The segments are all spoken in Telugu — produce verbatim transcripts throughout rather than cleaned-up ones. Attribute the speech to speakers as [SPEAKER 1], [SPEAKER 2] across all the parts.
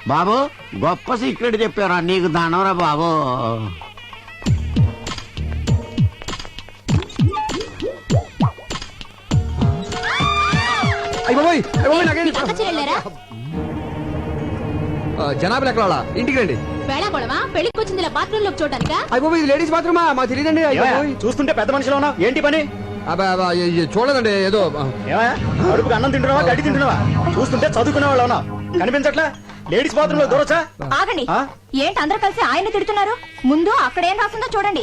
[SPEAKER 1] బాబు గొప్ప సీక్రెట్ చెప్పారా, నీకు దానవరా బాబు.
[SPEAKER 2] జనాభా ఎక్కడ ఇంటికి రండి.
[SPEAKER 3] పెళ్లికి వచ్చింది బాత్రూమ్ లో చూడటానికా?
[SPEAKER 2] అయిపోయి ఇది లేడీస్ బాత్రూమా? మాకు తెలియదండి.
[SPEAKER 4] చూస్తుంటే పెద్ద మనిషిలో ఉన్నావు, ఏంటి పని?
[SPEAKER 2] చూడదండి, ఏదో
[SPEAKER 4] అడుపుకి అన్నం తింటున్నావా, గడ్డి తింటున్నావా? చూస్తుంటే చదువుకునే వాళ్ళు ఉన్నావు, కనిపించట్లా? లేడీస్ బాత్రూమ్ లో దూరొచ్చా?
[SPEAKER 3] ఆగండి, ఏంటి అందరూ కలిసి ఆయన తిడుతున్నారు? ముందు అక్కడ ఏం రాసిందో చూడండి.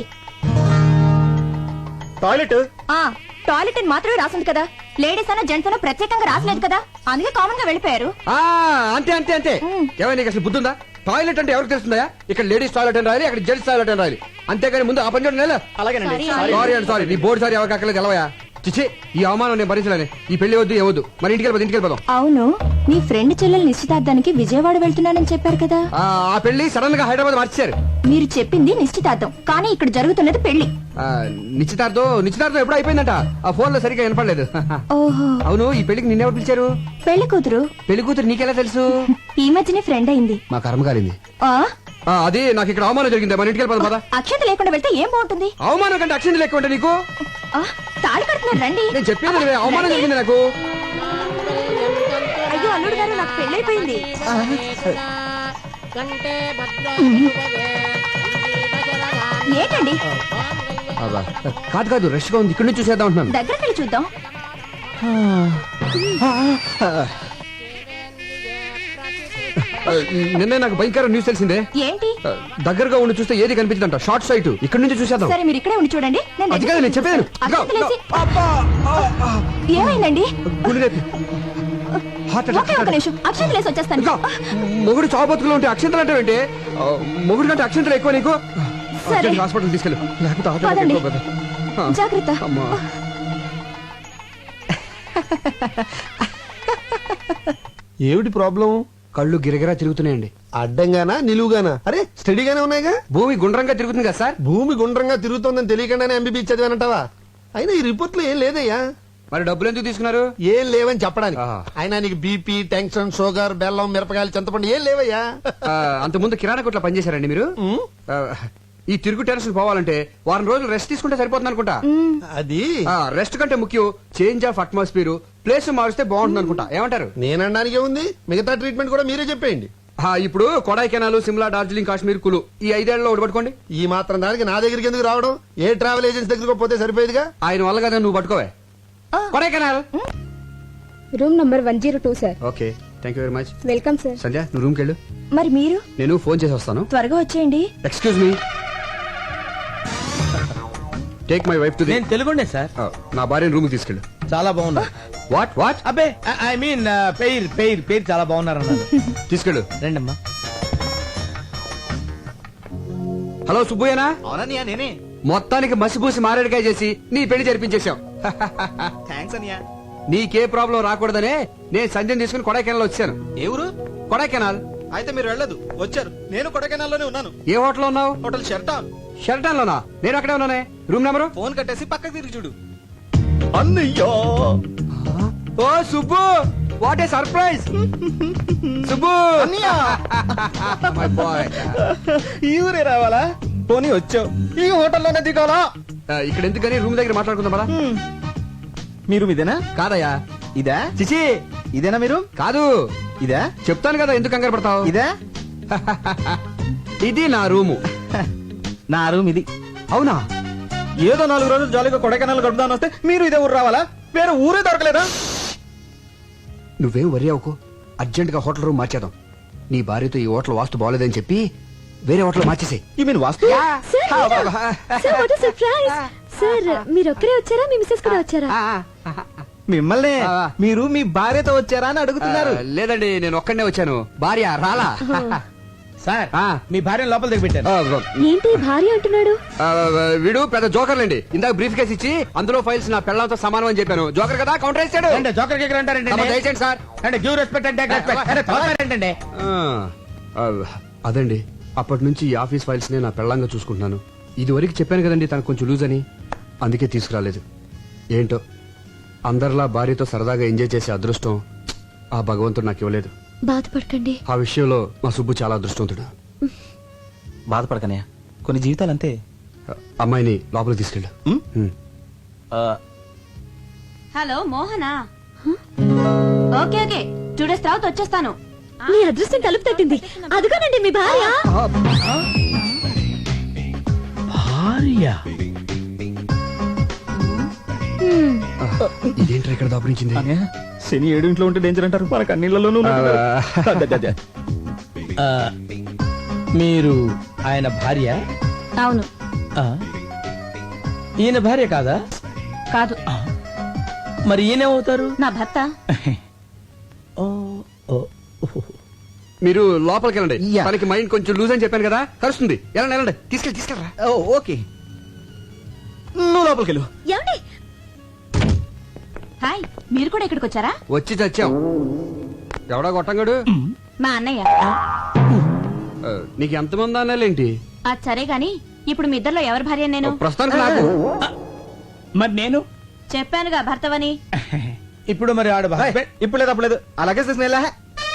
[SPEAKER 4] టాయిలెట్
[SPEAKER 3] టాయిలెట్ అని మాత్రమే రాసింది కదా, లేడీస్ అన్న జెంట్స్ అన్న ప్రత్యేకంగా రాసలేదు కదా, అందుకే కామన్ గా వెళ్ళిపోయారు.
[SPEAKER 2] అంతే అంతే అంతే. ఏమైనా నీకు అసలు బుద్ధుందా? టాయిలెట్ అంటే ఎవరికి తెలుస్తుందా? ఇక్కడ లేడీస్ టాయిలెట్ అని రాయాలి, అక్కడ జెంట్స్ టాయిలెట్ అని రాయాలి, అంతేగాని ముందు ఆ పని చూడండి.
[SPEAKER 4] అలాగేనండి.
[SPEAKER 2] సారీ అండి, సారీ. నీ బోర్డు సారీ ఎవరికి అక్కర్లేదు, తెలవయా? చిచ్చి, ఈ అవమానం నేను భరించలేని. ఈ పెళ్లి వద్దు, ఏ వద్దు. మరి ఇంటికి వెళ్ళిపోదు, ఇంటికి వెళ్ళిపోదాం.
[SPEAKER 3] అవును, నీ ఫ్రెండ్ చెల్లెలు నిశ్చితార్థానికి విజయవాడ వెళ్తున్నానని చెప్పారు కదా.
[SPEAKER 2] ఆ పెళ్లి సడన్ గా హైదరాబాద్ మార్చారు.
[SPEAKER 3] మీరు చెప్పింది నిశ్చితార్థం, కానీ ఇక్కడ జరుగుతున్నది పెళ్లి.
[SPEAKER 2] నిశ్చితార్థం నిశ్చితార్థం ఎప్పుడు అయిపోయిందంట. ఆ ఫోన్ లో సరిగ్గా వినపడలేదు.
[SPEAKER 3] ఓహో,
[SPEAKER 2] అవును, ఈ పెళ్లికి నిన్నెవరు పిలిచారు?
[SPEAKER 3] పెళ్లి కూతురు.
[SPEAKER 2] పెళ్లి కూతురు నీకెలా తెలుసు?
[SPEAKER 3] ఈ మధ్యనే ఫ్రెండ్ అయింది.
[SPEAKER 2] మా కర్మ కాలింది. అది నాకు ఇక్కడ అవమానం జరిగింది. మన ఇంటికి వెళ్ళిపోదాం పద.
[SPEAKER 3] అక్షంత లేకుండా వెళ్తే ఏం బాగుంటుంది?
[SPEAKER 2] అవమానం కంటే అక్షంత లేకుండా నీకు
[SPEAKER 3] తాళి కడుతున్నారు, రండి.
[SPEAKER 2] నేను చెప్పేది అవమానం జరిగింది నాకు.
[SPEAKER 3] అయ్యో అల్లుడు గారు, నాకు పెళ్ళైపోయింది. ఏంటండి?
[SPEAKER 2] కాదు కాదు, రష్ గా ఉంది, ఇక్కడ నుంచి చూసేద్దాం అంటున్నాను.
[SPEAKER 3] దగ్గరికి వెళ్ళి చూద్దాం.
[SPEAKER 2] నిన్నే నాకు భయంకర న్యూస్ తెలిసిందే.
[SPEAKER 3] ఏంటి?
[SPEAKER 2] దగ్గరగా ఉండి చూస్తే ఏది కనిపించదంట, షార్ట్ సైట్. ఇక్కడ నుంచి చూసేద్దాం.
[SPEAKER 3] సరే, మీరు ఇక్కడే ఉండి చూడండి.
[SPEAKER 2] అది కాదు నేను చెప్పాను.
[SPEAKER 3] ఏమైందండి?
[SPEAKER 2] అక్షంతలేసి వచ్చేస్తాను. మొగుడు చావు బతుకులో ఉంటే అక్షంతలు అంటే ఏంటి? మొగుడు కంటే అక్షంతలు ఎక్కువ నీకు. హాస్పిటల్ తీసుకెళ్ళు, లేకపోతే
[SPEAKER 3] జాగ్రత్త.
[SPEAKER 5] ఏమిటి ప్రాబ్లం?
[SPEAKER 2] కళ్ళు గిరగిరా తిరుగుతున్నాయండి.
[SPEAKER 5] అడ్డంగానా నిలువుగానా? అరే స్టడీగానే ఉన్నాయిగా.
[SPEAKER 2] భూమి గుండ్రంగా తిరుగుతుంది కదా సార్.
[SPEAKER 5] భూమి గుండ్రంగా తిరుగుతోందని తెలియకుండానే ఎంబీబీ చదివానంటావా? అయినా ఈ రిపోర్ట్ లో ఏం లేదయ్యా.
[SPEAKER 2] మరి డబ్బులు ఎందుకు తీసుకున్నారు?
[SPEAKER 5] ఏం లేవని చెప్పడానికి. అయినా నీకు బీపీ, టెన్షన్, షుగర్, బెల్లం, మిరపకాయలు, చింతపండు ఏం లేవయ్యా.
[SPEAKER 2] అంత ముందు కిరాణా కొట్లో పనిచేశారండి మీరు? ఈ తిరుగు టెన్షన్ పోవాలంటే వారం రోజులు రెస్ట్ తీసుకుంటే సరిపోతుంది అనుకుంటా.
[SPEAKER 5] అది
[SPEAKER 2] రెస్ట్ కంటే ముఖ్యం చేంజ్ ఆఫ్ అట్మాస్ఫియర్, ప్లేస్ మారిస్తే బాగుంటుంది అనుకుంటా. ఏమంటారు?
[SPEAKER 5] నేనడానికి ఉంది, మిగతా ట్రీట్మెంట్ కూడా మీరే చెప్పేయండి.
[SPEAKER 2] ఇప్పుడు కొడైకెనాల్, సిమ్లా, డార్జిలింగ్, కాశ్మీర్, కులు ఈ ఐదేళ్లలో ఒకటి పట్టుకోండి.
[SPEAKER 5] ఈ మాత్రం దానికి నా దగ్గరికి ఎందుకు రావడం? ఏ ట్రావెల్ ఏజెన్సీ దగ్గరకు పోతే సరిపోయేదిగా.
[SPEAKER 2] ఆయన వల్ల కదా నువ్వు పట్టుకోవే. Kodaikanal
[SPEAKER 3] room number one zero two sir.
[SPEAKER 2] Okay, thank you very much.
[SPEAKER 3] Welcome sir.
[SPEAKER 2] Sandhya, నువ్వు రూమ్ కెళ్ళు.
[SPEAKER 3] మరి మీరు?
[SPEAKER 2] నేను ఫోన్ చేసి వస్తాను.
[SPEAKER 3] త్వరగా వచ్చేయండి.
[SPEAKER 2] Excuse me, take my wife to the.
[SPEAKER 4] నేను తెలుగుండే సార్.
[SPEAKER 2] నా భార్యను రూమ్ కి తీసుకెళ్ళు.
[SPEAKER 4] చాలా బాగున్నా.
[SPEAKER 2] What what?
[SPEAKER 4] అబ్బే ఐ మీన్ పేరు పేరు పేరు చాలా బాగున్నారు అన్నారు.
[SPEAKER 2] తీసుకెళ్ళు.
[SPEAKER 4] రండమ్మా.
[SPEAKER 2] హలో సుబ్బయ్యనా?
[SPEAKER 4] అవునన్నయ్య, నేనే.
[SPEAKER 2] మొత్తానికి మసిపూసి మారేడుకాయ చేసి నీ పెళ్లి జరిపించేశాం.
[SPEAKER 4] థ్యాంక్స్ అన్నయ్య.
[SPEAKER 2] నీకే ప్రాబ్లం రాకూడదనే నేను సంధ్యను తీసుకుని కొడైకెనాల్ వచ్చాను.
[SPEAKER 4] ఏ ఊరు?
[SPEAKER 2] కొడైకెనాల్.
[SPEAKER 4] అయితే మీరు వెళ్ళదు, వచ్చారు. నేను కొడైకెనాల్ లోనే ఉన్నాను.
[SPEAKER 2] ఏ హోటల్ ఉన్నావు?
[SPEAKER 4] హోటల్ షెర్టాన్.
[SPEAKER 2] షెర్టాన్ లోనా? నేను అక్కడే ఉన్నానే. Room number?
[SPEAKER 4] ఫోన్ కట్టేసి పక్కకి తిరిగి చూడు. అన్నయ్యో,
[SPEAKER 2] ఓ Subbu, what a surprise. Subbu, my boy.
[SPEAKER 4] ఈ ఊరే రావాలా? పోనీ వచ్చావు, ఈ హోటల్లోనే దిగాలా?
[SPEAKER 2] ఇక్కడ ఎందుకని రూమ్ దగ్గర మాట్లాడుకుందాం కదా.
[SPEAKER 4] మీరు ఇదేనా?
[SPEAKER 2] కాదయ్యా.
[SPEAKER 4] ఇదా?
[SPEAKER 2] చిచి,
[SPEAKER 4] ఇదేనా మీరు?
[SPEAKER 2] కాదు.
[SPEAKER 4] ఇదా?
[SPEAKER 2] చెప్తాను కదా, ఎందుకు కంగారు పడతావు?
[SPEAKER 4] ఇదా?
[SPEAKER 2] ఇది నా రూము.
[SPEAKER 4] నా రూమ్ ఇది.
[SPEAKER 2] అవునా?
[SPEAKER 4] ఏదో నాలుగు రోజులు జాలీగా కొడైకెనాల్ గడుపుదాని వస్తే మీరు ఇదే ఊరు రావాలా? వేరే ఊరే దొరకలేదా?
[SPEAKER 2] నువ్వేం వరి అవ్వకు, అర్జెంట్ గా హోటల్ రూమ్ మార్చేద్దాం. నీ భార్యతో ఈ హోటల్ వాస్తు బాగోలేదని చెప్పి వేరే హోటల్ మార్చేసే.
[SPEAKER 4] ఈ మీన్ వాస్తు?
[SPEAKER 3] సార్, మీరు ఒక్కరే వచ్చారా? మీ మిస్సెస్ కూడా వచ్చారా?
[SPEAKER 4] మిమ్మల్ని. మీరు మీ భార్యతో వచ్చారా అని అడుగుతున్నారు.
[SPEAKER 2] లేదండి, నేను ఒక్కడనే వచ్చాను, భార్య రాలా.
[SPEAKER 4] సార్, మీ భార్య లోపల దగ్గర పెట్టారు.
[SPEAKER 3] ఏంటి భార్య అంటున్నాడు?
[SPEAKER 2] వీడు పెద్ద జోకర్లండి. ఇందాక బ్రీఫ్ కేసు ఇచ్చి అందులో ఫైల్స్ నా పెళ్ళంతో సమానం అని చెప్పాను. జోకర్ కదా, కౌంటర్ వేసాడు.
[SPEAKER 4] జోకర్ కేకర్ అంటారండి
[SPEAKER 2] సార్.
[SPEAKER 4] అంటే గివ్ రెస్పెక్ట్ అంటే ఏంటండి?
[SPEAKER 2] అదండి, అప్పటి నుంచి ఈ ఆఫీస్ ఫైల్స్ నే నా పెళ్ళంగా చూసుకుంటున్నాను. ఇది వరకు చెప్పాను కదండి తనకు కొంచెం లూజ్ అని, అందుకే తీసుకురాలేదు. ఏంటో అందరిలా భార్యతో సరదాగా ఎంజాయ్ చేసే అదృష్టం ఆ భగవంతుడు నాకు ఇవ్వలేదు.
[SPEAKER 6] బాధపడకండి.
[SPEAKER 2] ఆ విషయంలో మా సుబ్బు చాలా అదృష్టవంతుడు.
[SPEAKER 4] బాధపడకనయ్య, కొన్ని జీవితాలు అంతే.
[SPEAKER 2] అమ్మాయిని లోపలికి తీసుకెళ్ళు.
[SPEAKER 4] ఉమ్?
[SPEAKER 2] ఉమ్.
[SPEAKER 4] ఆ,
[SPEAKER 3] హలో మోహనా. ఓకే ఓకే టూ డేస్ తర్వాత వచ్చేస్తాను.
[SPEAKER 6] మీ అదృష్టం తలుపు తట్టింది. అదిగోనండి మీ భార్య.
[SPEAKER 4] భార్య
[SPEAKER 6] హ్మ్.
[SPEAKER 2] ఇదేంట్రా ఇక్కడ దాపురించింది?
[SPEAKER 4] అనే శని ఏడు ఇంట్లో ఉంటే డేంజర్ అంటారు, మనకు అన్నిళ్లలోనూ
[SPEAKER 7] మీరు ఆయన భార్య?
[SPEAKER 3] అవును.
[SPEAKER 7] ఆ. ఈయన భార్య కాదా?
[SPEAKER 3] కాదు.
[SPEAKER 7] మరి ఈయనేమవుతారు?
[SPEAKER 3] నా భర్త.
[SPEAKER 7] ఓ, ఓ, ఓ.
[SPEAKER 2] మీరు లోపలికి వెళ్ళండి.
[SPEAKER 4] యా.
[SPEAKER 2] తనకి మైండ్ కొంచెం లూజ్ అని చెప్పాను కదా, కలుస్తుంది. వెళ్ళండి వెళ్ళండి, తీసుకెళ్ళి తీసుకెళ్ళరా.
[SPEAKER 4] ఓకే, నువ్వు లోపలికి వెళ్ళు.
[SPEAKER 6] ఏమండి?
[SPEAKER 3] హాయ్, మీరు కూడా ఇక్కడికి వచ్చారా?
[SPEAKER 2] వచ్చి చచ్చాం. ఎవడా గొట్టంగాడు?
[SPEAKER 3] మా అన్నయ్య.
[SPEAKER 2] ఆ, నీకు ఎంతమంది అన్నాలేంటి?
[SPEAKER 3] అది సరే గాని ఇప్పుడు మీ ఇద్దరిలో ఎవరి భార్య నేను?
[SPEAKER 2] ప్రస్తుతానికి నాకు.
[SPEAKER 7] మరి నేను
[SPEAKER 3] చెప్పానుగా భర్తవని.
[SPEAKER 7] ఇప్పుడు మరి ఆడ భార్య.
[SPEAKER 4] ఇప్పుడు లేదు అప్పుడు లేదు, అలాగే చేసిన ఎలా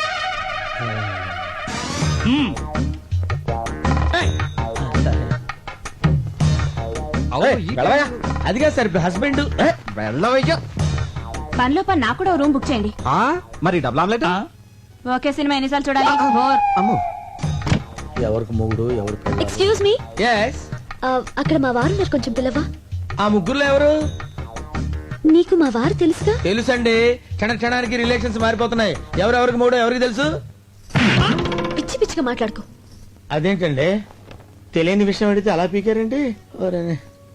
[SPEAKER 2] అవును, ఈ
[SPEAKER 4] వెళ్ళవయ్యా.
[SPEAKER 7] అదిగా సార్ హస్బెండ్.
[SPEAKER 4] వెళ్ళవయ్యా.
[SPEAKER 3] పనిలో పని నాకు కూడా ఓ రూమ్ బుక్ చేయండి.
[SPEAKER 2] ఆ?
[SPEAKER 4] మరి డబుల్ ఆమ్లెట్.
[SPEAKER 3] ఓకే సినిమా ఎన్నిసార్లు చూడాలి? బోర్.
[SPEAKER 4] అమ్మో,
[SPEAKER 7] ఎవరికి మొగుడు ఎవరు?
[SPEAKER 6] Excuse me.
[SPEAKER 7] ఎస్.
[SPEAKER 6] అక్కడ మా వారు ఉన్నారు, కొంచెం పిల్లవా?
[SPEAKER 7] ఆ ముగ్గురులో ఎవరు?
[SPEAKER 6] నీకు మా వారు తెలుసుగా?
[SPEAKER 7] తెలుసండి, క్షణ క్షణానికి రిలేషన్స్ మారిపోతున్నాయి. ఎవరెవరికి మూడో ఎవరికి తెలుసు?
[SPEAKER 6] పిచ్చి పిచ్చిగా మాట్లాడుకో.
[SPEAKER 7] అదేంటండి, తెలియని విషయం అడిగితే అలా పీకారండి. ఓరేనే.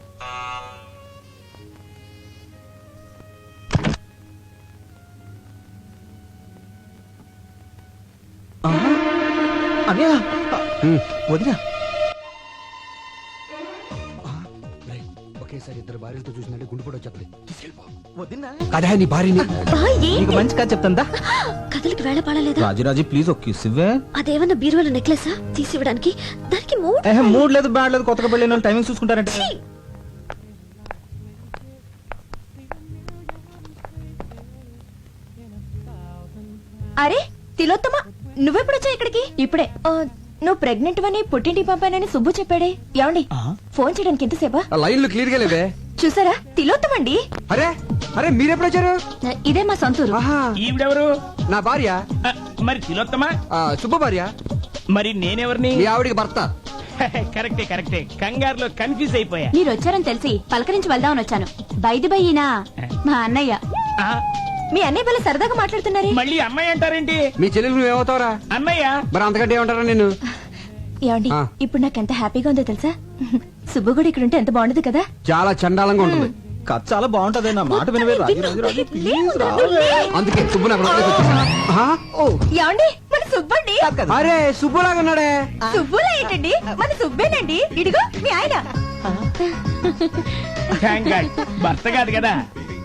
[SPEAKER 4] అన్నయ్య, వదినా.
[SPEAKER 2] రేయ్, ఒకేసారి ఇద్దరు భార్యలతో చూసినట్టు గుండు కూడా వచ్చేస్తుంది. తీసుకెళ్ళిపో.
[SPEAKER 4] వదినా,
[SPEAKER 2] కదా నీ భార్యని.
[SPEAKER 6] బా, ఏంటి?
[SPEAKER 4] నీకు మంచి కథ చెప్తాందా?
[SPEAKER 6] కథలకు వేళ పడలేదా?
[SPEAKER 4] రాజీరాజీ ప్లీజ్ ఒక కిస్ ఇవ్వే.
[SPEAKER 6] అదేమన్నా బీరువాల నెక్లెసా తీసి ఇవ్వడానికి? దానికి మూడ్.
[SPEAKER 4] ఏహే, మూడ్ లేదు బ్యాడ్ లేదు, కొత్తగా పెళ్ళైన వాళ్ళు టైమింగ్ చూసుకుంటారంటే.
[SPEAKER 6] ఛీ!
[SPEAKER 3] అరే తిలోత్తమ, నువ్వెప్పుడు వచ్చా ఇక్కడికి? ఇప్పుడే. ఆ, నువ్వు ప్రెగ్నెంట్ అని పుట్టింటికి పంపానని సుబ్బు చెప్పాడే. ఏమండి ఫోన్ చేయడానికి ఎంతసేపా?
[SPEAKER 2] ఆ లైన్లు క్లియర్ గా లేవే.
[SPEAKER 3] చూసారా, తిలోత్తమండి.
[SPEAKER 2] అరే అరే మీరెప్పుడు వచ్చారు?
[SPEAKER 3] ఇదే మా సొంతూరు.
[SPEAKER 2] ఆహా,
[SPEAKER 7] ఈవిడెవరు?
[SPEAKER 2] నా భార్య.
[SPEAKER 7] ఆ, మరి తిలోత్తమా?
[SPEAKER 2] ఆ, సుబ్బ భార్య.
[SPEAKER 7] మరి నేనెవరిని?
[SPEAKER 2] మీ ఆవిడికి భర్త.
[SPEAKER 7] కరెక్టే కరెక్టే, కంగారులో కన్ఫ్యూజ్ అయిపోయా.
[SPEAKER 3] మీరు వచ్చారని తెలిసి పలకరించి వెళ్దామని వచ్చాను. బైది బయ్యినా మా అన్నయ్య.
[SPEAKER 7] ఆ,
[SPEAKER 3] మీ అన్నయ్య వల్ల సరదాగా మాట్లాడుతున్నారే.
[SPEAKER 7] మళ్ళీ అమ్మాయి అంటారేంటి?
[SPEAKER 2] మీ చెల్లెలు నువ్వేమవుతావరా?
[SPEAKER 7] అన్నయ్య.
[SPEAKER 2] మరి అంతకంటే ఏమంటారా నేను?
[SPEAKER 3] ఏమండి
[SPEAKER 2] ఆ.
[SPEAKER 3] ఇప్పుడు నాకు ఎంత హ్యాపీగా ఉందో తెలుసా? సుబ్బు కూడా ఇక్కడ ఉంటే ఎంత బాగుంటుంది కదా.
[SPEAKER 2] చాలా చండాలంగా ఉంటుంది.
[SPEAKER 4] కథ చాలా బాగుంటది, నా మాట వినవే. రాజీ రాజీ రాజీ ప్లీజ్ రావే.
[SPEAKER 2] అందుకే సుబ్బు నాకు లోపలికి వచ్చేసాడు. ఆహా, ఓ,
[SPEAKER 3] ఏమండి మన సుబ్బండి.
[SPEAKER 2] అరే సుబ్బులాగా ఉన్నాడే.
[SPEAKER 3] సుబ్బులా ఏంటండి, మన సుబ్బేనండి. ఇడిగో మీ ఆయన.
[SPEAKER 7] థ్యాంక్ గాడ్, భర్త కాదు కదా.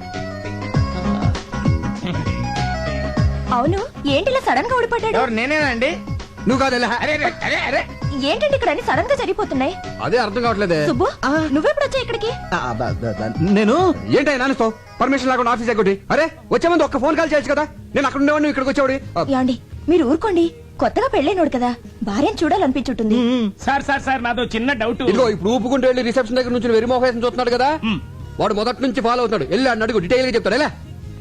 [SPEAKER 3] అవును, ఏంటి ఇలా సడన్ గా ఊడిపడ్డాడు?
[SPEAKER 7] ఎవరు? నేనేనా అండి?
[SPEAKER 2] నువ్వు కాదు ఎలా?
[SPEAKER 7] అరే అరే, అరే అరే.
[SPEAKER 3] ఏంటండి ఇక్కడ అన్ని సడన్ గా జరిగిపోతున్నాయి?
[SPEAKER 2] అదే అర్థం కావట్లేదే.
[SPEAKER 3] సుబ్బు నువ్వెప్పుడు వచ్చా ఇక్కడికి?
[SPEAKER 4] ఆ, బ- బ- బ- నేను
[SPEAKER 2] ఏంటో నాన్నతో పర్మిషన్ లేకుండా ఆఫీస్ ఎగ్గొట్టి. అరే వచ్చే ముందు ఒక్క ఫోన్ కాల్ చేయొచ్చు కదా. నేను అక్కడ ఉండేవాడిని, ఇక్కడికి వచ్చేవాడి.
[SPEAKER 3] ఏమండి మీరు ఊరుకోండి, కొత్తగా పెళ్ళైనోడు కదా, భార్యను చూడాలనిపించుంటుంది.
[SPEAKER 7] సార్ సార్ సార్ నాదో చిన్న డౌట్.
[SPEAKER 2] ఇదిగో ఇప్పుడు ఊపుకుంటూ వెళ్ళి రిసెప్షన్ దగ్గర నుంచి వెరీ మోహేసం చూస్తున్నాడు కదా.
[SPEAKER 7] మ్.
[SPEAKER 2] వాడు మొదటి నుంచి ఫాలో అవుతాడు. వెళ్ళి అన్న అడుగు, డీటెయిల్ గా చెప్తాడు. ఎలా?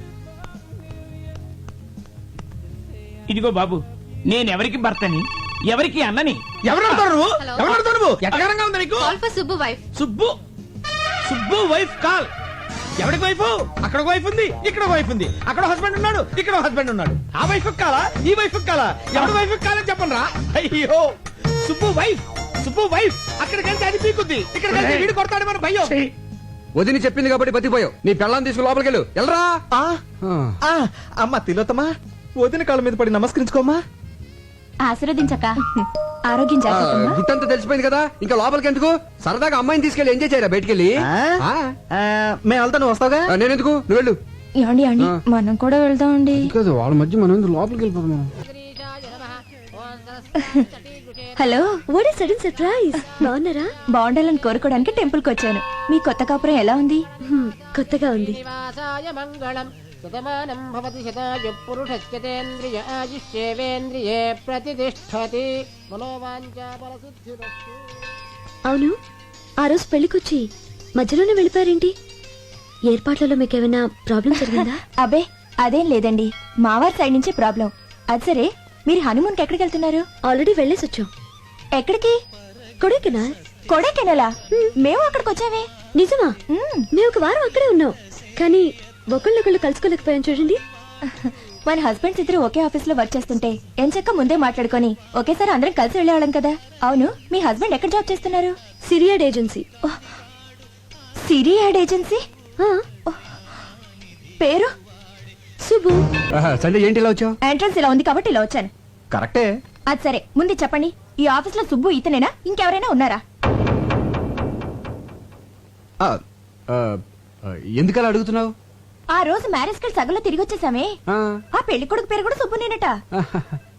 [SPEAKER 7] ఇదిగో బాబు, నేనెవరికి భర్తని, ఎవరికి అన్నని? ఎవరు అడుగుతావు నువ్వు? ఎవరు అడుగుతావు నువ్వు? ఎటకారంగా ఉంది నీకు?
[SPEAKER 6] Subbu wife.
[SPEAKER 7] Subbu Subbu wife call. ఎవరికి వైఫ్? అక్కడ ఒక వైఫ్ ఉంది, ఇక్కడ ఒక వైఫ్ ఉంది. అక్కడ హస్బెండ్ ఉన్నాడు, ఇక్కడ హస్బెండ్ ఉన్నాడు. ఆ వైఫ్ కాలా, ఈ వైఫ్ కాలా? ఎవరి వైఫ్ కాలని చెప్పండి రా. అయ్యో, సుబ్బు వైఫ్, సుబ్బు వైఫ్. అక్కడికి వెళ్తే అది పీకుద్ది, ఇక్కడికి వెళ్తే వీడు కొడతాడు మన భయ్యో.
[SPEAKER 2] వదిని చెప్పింది కాబట్టి బతిపోయావు. నీ పెళ్ళాన్ని తీసుకుని లోపలికి వెళ్ళు. వెళ్ళరా.
[SPEAKER 4] ఆ, ఆ, అమ్మ తిలోత్తమా, వదిన కాళ్ళ మీద పడి నమస్కరించుకోమ్మా.
[SPEAKER 3] ఆశీర్వదించక. ఆరోగ్యం జాగ్రత్త.
[SPEAKER 2] గుట్టంతా తెలిసిపోయింది కదా, ఇంకా లోపలికి ఎందుకు? సరదాగా అమ్మాయిని తీసుకెళ్ళి ఎంజాయ్ చేయరా బయటికి వెళ్ళి.
[SPEAKER 4] ఆ? ఆ, మేము వెళ్తా, నువ్వు వస్తావుగా.
[SPEAKER 2] నేను ఎందుకు, నువ్వు వెళ్ళు.
[SPEAKER 3] ఏమండి ఏమండి మనం కూడా వెళ్దామండి.
[SPEAKER 2] కాదు వాళ్ళ మధ్య మనం లోపలికి వెళ్ళిపోతాం.
[SPEAKER 3] Hello,
[SPEAKER 6] what is sudden surprise? బాగున్నారా?
[SPEAKER 3] బాగుండాలని కోరుకోవడానికి టెంపుల్ కి వచ్చాను. మీ కొత్త కాపురం ఎలా ఉంది?
[SPEAKER 6] హ్మ్, కొత్తగా ఉంది.
[SPEAKER 8] శతమానం భవతి శతాయు పురుషశ్చతేంద్రియ ఆయుష్యేవేంద్రియే ప్రతిష్టతి మనోవాంఛా బలసిద్ధిరస్తు.
[SPEAKER 6] అవును, ఆ రోజు పెళ్లికొచ్చి మధ్యలోనే వెళ్ళిపోయారేంటి? ఏర్పాట్లలో మీకేమైనా ప్రాబ్లం జరిగిందా?
[SPEAKER 3] అబే అదేం లేదండి, మావారి సైడ్ నుంచి ప్రాబ్లం. అది సరే, మీరు హనీమూన్కి ఎక్కడికి వెళ్తున్నారు?
[SPEAKER 6] ఆల్రెడీ వెళ్ళేసి వచ్చాం.
[SPEAKER 3] ఎక్కడికి?
[SPEAKER 6] కొడైకెనాల్.
[SPEAKER 3] కొడైకెనాలా? మేము అక్కడికి వచ్చామే.
[SPEAKER 6] నిజమా?
[SPEAKER 3] మ్మ్.
[SPEAKER 6] మేము ఒక వారం అక్కడే ఉన్నాం, కానీ ఒకళ్ళొకళ్ళు కలుసుకోలేకపోయాం చూడండి.
[SPEAKER 3] మన హస్బెండ్స్ ఇద్దరు ఒకే ఆఫీస్ లో వర్క్ చేస్తుంటే ఎంచక్క ముందే మాట్లాడుకొని ఒకేసారి అందరం కలిసి వెళ్ళేవాళ్ళం కదా. అవును, మీ హస్బెండ్ ఎక్కడ జాబ్ చేస్తున్నారు?
[SPEAKER 6] Siri ad agency.
[SPEAKER 3] Siri ad agency.
[SPEAKER 6] ఆ,
[SPEAKER 3] పేరు?
[SPEAKER 6] సుబ్బు.
[SPEAKER 2] సండే ఏంటి ఇలా వచ్చావు?
[SPEAKER 3] ఎంట్రన్స్ ఇలా ఉంది కాబట్టి ఇలా వచ్చాను.
[SPEAKER 2] కరెక్టే.
[SPEAKER 3] అది సరే, ముందు చెప్పండి, ఈ ఆఫీస్ లో సుబ్బు ఇతనేనా, ఇంకెవరైనా ఉన్నారా?
[SPEAKER 2] ఆ, ఆ, ఆ, ఎందుకలా అడుగుతున్నావు?
[SPEAKER 3] ఆ రోజు మ్యారేజ్ కి సగంలో తిరిగి వచ్చేసామే,
[SPEAKER 2] ఆ,
[SPEAKER 3] ఆ పెళ్లి కొడుకు పేరు కూడా సుబ్బునేనట.